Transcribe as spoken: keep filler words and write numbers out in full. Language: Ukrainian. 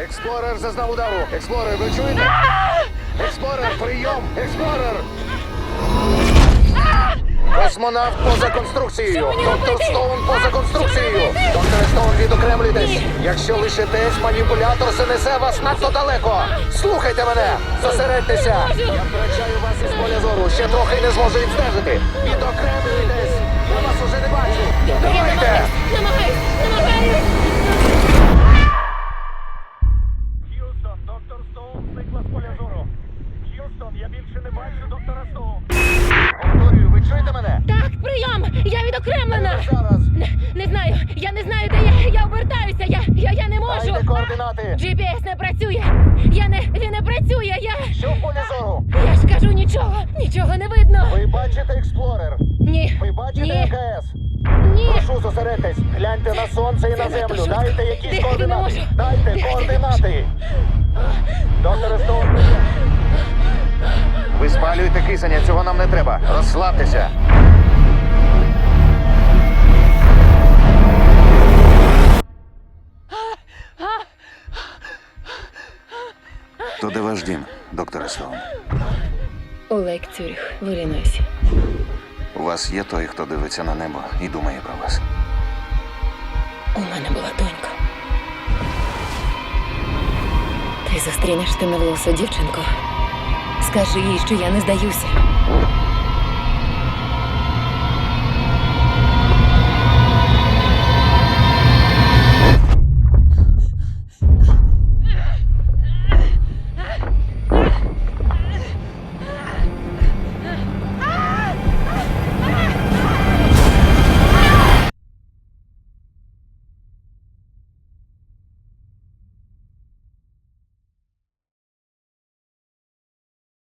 Експлорер зазнав удару. Експлорер, ви чуєте? Експлорер, прийом! Експлорер! Космонавт поза конструкцією. Доктор Стоун поза конструкцією. Доктор Стоун, відокремлюйтесь. Якщо лишитесь, маніпулятор занесе вас надто далеко. Слухайте мене. Зосередьтеся. Я втрачаю вас із поля зору. Ще трохи не зможу відстежити. Відокремлюйтесь. Я вас уже не бачу. Давайте. Намагаюсь, намагаюсь! Х'юстон, доктор Стоун зникла з поля зору. Х'юстон, я більше не бачу доктора Стоун. Повторюю, ви чуєте мене? Так, прийом! Я відокремлена! Зараз. Не, не знаю, я не знаю, де я. Я обертаюся, я, я, я не можу. Дайте координати. джі пі ес не працює. Я не, він не працює, я... Що в полі зору? Я ж кажу нічого, нічого не видно. Ви бачите експлорер? Ні, Ви бачите ні, АКС? ні. Прошу, зосередьтесь. Гляньте на сонце і на Це надто землю. швидко. Дайте якісь Дихати не координати. можу. Дайте Дихати не координати. Доктор Стоун. Ви спалюєте кисення, цього нам не треба. Розслабтеся. То де ваш дім, доктор Стоун? У Лейк Цюріх, в Іллінойсі. У вас є той, хто дивиться на небо і думає про вас? У мене була донька. Ти зустрінеш темноволосу дівчинку. Скажи їй, що я не здаюся.